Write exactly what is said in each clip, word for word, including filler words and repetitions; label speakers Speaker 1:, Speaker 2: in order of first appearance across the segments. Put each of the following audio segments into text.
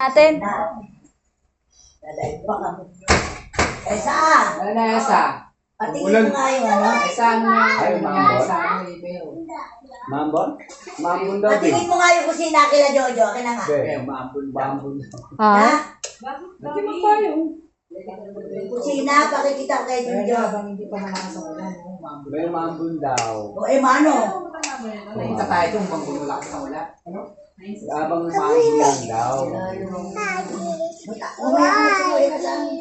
Speaker 1: Natin.
Speaker 2: Dadaig pa kami. Esa!
Speaker 3: Ano na esa?
Speaker 2: Patingin mo nga yung ano.
Speaker 3: Esa ano na?
Speaker 4: Ay, mambon.
Speaker 3: Esa ano email?
Speaker 4: Mambon? Mambon daw din.
Speaker 2: Patingin mo nga yung kusina kila Jojo. Akin na nga.
Speaker 3: Eh, mambon mambon.
Speaker 1: Ha?
Speaker 2: Ha?
Speaker 3: Hindi mo pa yung.
Speaker 2: Kusina, pakikita ko kay Jojo.
Speaker 3: Hindi pa nakakasawalan.
Speaker 4: May mambon daw.
Speaker 2: O eh, mano?
Speaker 3: Nakita tayo itong mambon wala ka sa wala. Ano?
Speaker 4: Abang mambon lang daw.
Speaker 2: Umaya ko sa ulit sa amin.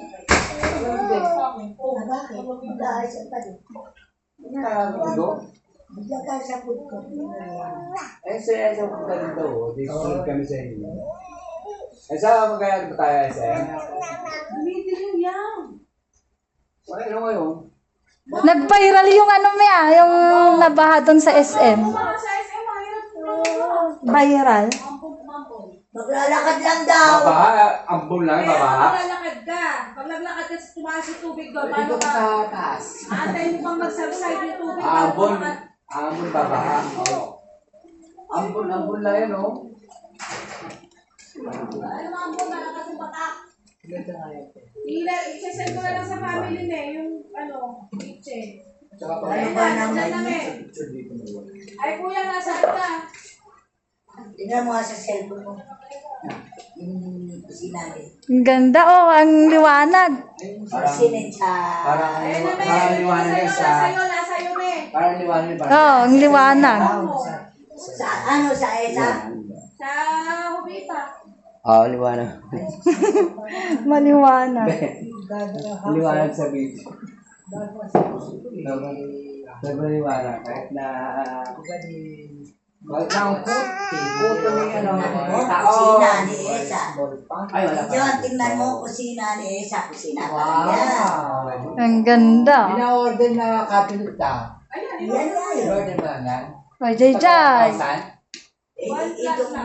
Speaker 2: Bakit? Mag-aay sa pati.
Speaker 4: Ito?
Speaker 2: Mag-aay sa food court.
Speaker 4: Eh, sa sa punta dito. Dito sunod kami sa inyo. Eh, sa magkaya ba tayo, S M?
Speaker 5: Dumidilim yan.
Speaker 4: Wala na ngayon.
Speaker 1: Nag-viral yung ano Mia, yung nabaha doon sa S M.
Speaker 5: Mga sa S M, mahirap po.
Speaker 1: Viral.
Speaker 2: Maglalakad lang daw.
Speaker 4: Babaha, ambon lang,
Speaker 5: Kaya
Speaker 4: babaha.
Speaker 5: maglalakad ka. Pag naglakad ka, tumaas yung tubig doon.
Speaker 3: Dito
Speaker 5: Paano
Speaker 3: ka
Speaker 5: ka?
Speaker 3: sa taas.
Speaker 5: Aantayin mo bang mag-subside yung tubig?
Speaker 4: Ambon.
Speaker 5: Paano ka-
Speaker 4: Ambon, babaha. Oo. Ambon, ambon lang yan, oh.
Speaker 5: Ano mga ambon, malakas yung batak.
Speaker 3: Dito nga yun.
Speaker 5: Ila, i-send ko na lang sa family na eh, yung ano, kitchen.
Speaker 3: Tsaka pa
Speaker 2: Ano
Speaker 5: Ayun
Speaker 2: ba
Speaker 5: na,
Speaker 2: naman
Speaker 5: dyan na
Speaker 2: yun?
Speaker 5: eh.
Speaker 3: picture dito na wala.
Speaker 5: Ay kuya, nasaan ka?
Speaker 2: Tingnan mo nga sa cellphone mo. Yung kusina niya.
Speaker 1: Ang ganda oh, ang liwanag.
Speaker 4: Parang,
Speaker 2: Kusina sa...
Speaker 4: parang,
Speaker 5: Ayun na,
Speaker 4: parang
Speaker 5: me.
Speaker 4: liwanag yan
Speaker 5: Nasa'yo,
Speaker 4: sa,
Speaker 5: nasa'yo, nasa'yo, me.
Speaker 4: parang liwanag yan.
Speaker 1: Oo, oh, ang liwanag.
Speaker 2: Sa ano, sa ESA?
Speaker 5: Sa Hubita.
Speaker 4: Oo, liwanag.
Speaker 1: Maliwanag.
Speaker 4: Liwanag sa video. Sobrang liwanag. Kahit na, kahit na ang puti, puto may ano.
Speaker 2: Oh,
Speaker 4: tao.
Speaker 2: kusina ni ESA.
Speaker 4: Ay, wala pa.
Speaker 2: John, tingnan mo, kusina ni ESA. Kusina pa
Speaker 3: Wow.
Speaker 2: yan.
Speaker 1: Ang ganda.
Speaker 3: Ina-order na cabinet ta.
Speaker 5: Ayan,
Speaker 2: Yan nga yun.
Speaker 3: In-order na yan.
Speaker 1: O, Jay Jay.
Speaker 3: Saan?
Speaker 2: Eh, ito